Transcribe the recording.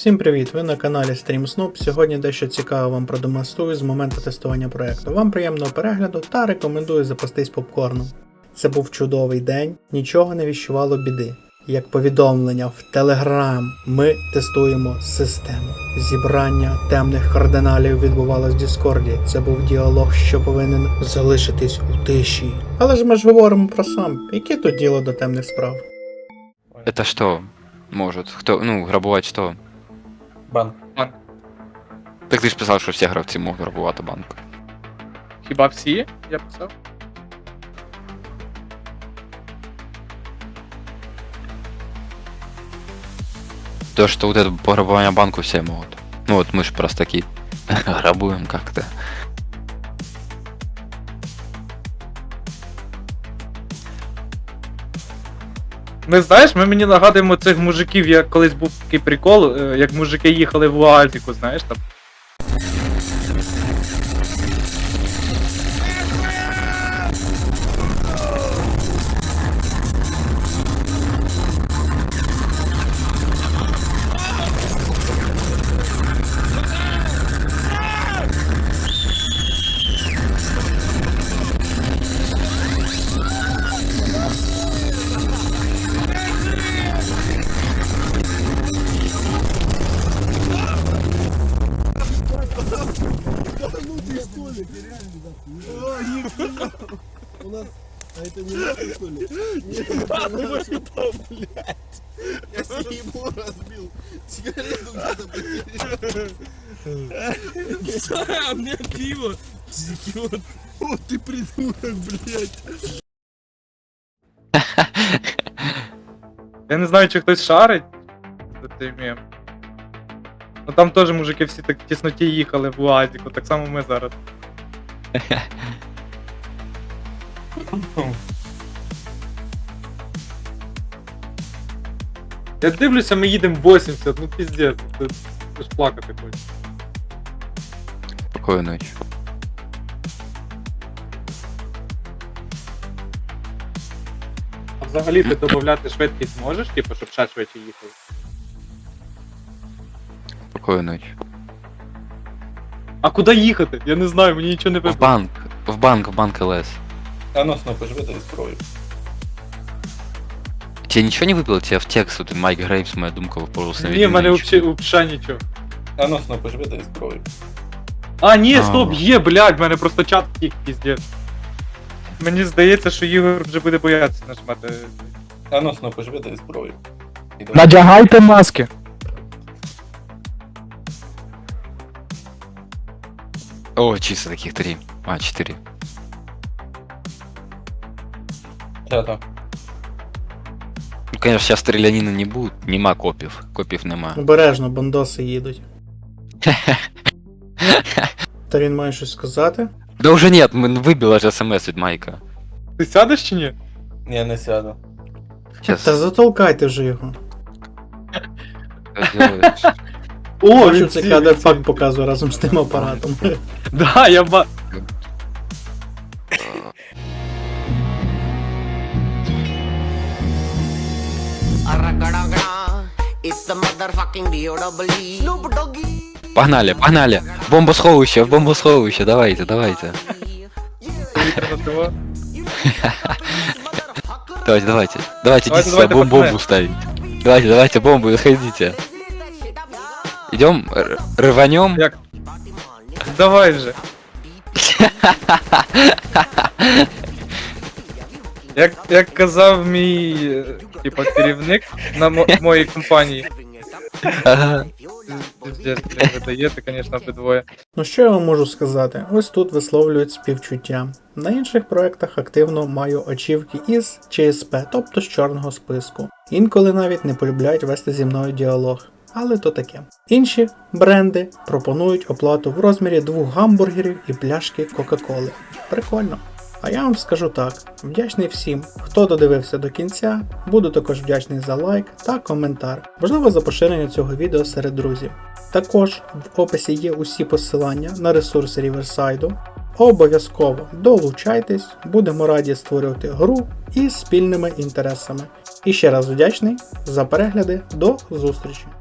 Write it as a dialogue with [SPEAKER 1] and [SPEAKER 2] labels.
[SPEAKER 1] Всім привіт! Ви на каналі StreamSnoop. Сьогодні дещо цікаве вам продемонструю з моменту тестування проекту. Вам приємного перегляду та рекомендую запастись попкорном. Це був чудовий день, нічого не віщувало біди. Як повідомлення в Telegram, ми тестуємо систему. Зібрання темних кардиналів відбувалось в Діскорді. Це був діалог, що повинен залишитись у тиші. Але ж ми ж говоримо про сам. Яке тут діло до темних справ?
[SPEAKER 2] Это что может? Кто, грабувати что?
[SPEAKER 3] Банк.
[SPEAKER 2] Так ти ж писав, що всі гравці можуть грабувати банк.
[SPEAKER 3] Хіба всі? Я писав.
[SPEAKER 2] То, что вот это пограбование банку все могут. Ну вот мы ж просто такие грабуем как-то.
[SPEAKER 3] Ми знаєш, ми мені нагадуємо цих мужиків, як колись був такий прикол, як мужики їхали в Уазіку, знаєш там.
[SPEAKER 4] У нас... А это не надо, что ли? Нет, там, блядь. Я себе ему разбил. Сигарету где-то потерял. А мне пиво. Идиот. О, ты придурок, блядь.
[SPEAKER 3] Я не знаю, чи хтось шарить за цей мем. Ну там теж мужики всі так в тісноті їхали в Уазіку, так само ми зараз. Я дивлюся, ми їдемо 80, ну піздець, ти ж плакати хочеш.
[SPEAKER 2] Спокойной ночи.
[SPEAKER 3] А взагалі ти додати швидкість можеш, типу, щоб ще швидше їхали?
[SPEAKER 2] Спокойной ночи.
[SPEAKER 3] А куди їхати? Я не знаю, мені нічого не
[SPEAKER 2] В
[SPEAKER 3] вибрало.
[SPEAKER 2] банк, в банк ЛС.
[SPEAKER 5] А ну, Снопа, живи дай зброю.
[SPEAKER 2] Тебе ничего не выпало? Тебе в текст, вот Майк Грейвс, моя думка, просто
[SPEAKER 3] Ні, в мене взагалі нічого.
[SPEAKER 5] А ну, Снопа, живи дай зброю.
[SPEAKER 3] А, ні,
[SPEAKER 2] А.
[SPEAKER 3] стоп, є, блядь, в мене просто чат втік, піздець. Мені здається, що Ігор вже буде боятися нажимати.
[SPEAKER 5] А ну, Снопа, живи дай зброю. Іду.
[SPEAKER 3] Надягайте маски.
[SPEAKER 2] О, чисто таких 3. А, 4.
[SPEAKER 5] Та-та.
[SPEAKER 2] Ну, конечно, сейчас стрелянина не будет. Нема копів. Копів нема.
[SPEAKER 1] Обережно, бандоси їдуть. Та він має щось сказати?
[SPEAKER 2] Да уже нет, выбил аж смс від Майка.
[SPEAKER 3] Ти сядеш чи ні?
[SPEAKER 5] Ні, не сяду.
[SPEAKER 2] Сейчас.
[SPEAKER 1] Та затолкайте вже його.
[SPEAKER 3] О,
[SPEAKER 1] Він це кадр-факт показує разом з тим апаратом.
[SPEAKER 3] Да, я ба...
[SPEAKER 6] It's the motherfucking D.O.W.E. Snoop Doggy.
[SPEAKER 2] Погнали, погнали. Бомбосховище, давайте.
[SPEAKER 3] Давайте.
[SPEAKER 2] Давайте,
[SPEAKER 3] Давайте,
[SPEAKER 2] идите бомбу
[SPEAKER 3] пацаны.
[SPEAKER 2] ставить. Давайте бомбу, заходите. Идем, рванем.
[SPEAKER 3] Як? Давай же. Як казав мій, типа, керівник на моїй компанії.
[SPEAKER 2] Ага.
[SPEAKER 3] Пиздец, блін, ви даєте, конечно, обидвоє.
[SPEAKER 1] Ну що я вам можу сказати? Ось тут висловлюють співчуття. На інших проектах активно маю очівки із ЧСП, тобто з чорного списку. Інколи навіть не полюбляють вести зі мною діалог. Але то таке. Інші бренди пропонують оплату в розмірі 2 гамбургерів і пляшки Кока-Коли. Прикольно. А я вам скажу так, вдячний всім, хто додивився до кінця, буду також вдячний за лайк та коментар, можливо за поширення цього відео серед друзів. Також в описі є усі посилання на ресурси Ріверсайду. Обов'язково долучайтесь, будемо раді створювати гру із спільними інтересами. І ще раз вдячний за перегляди, до зустрічі!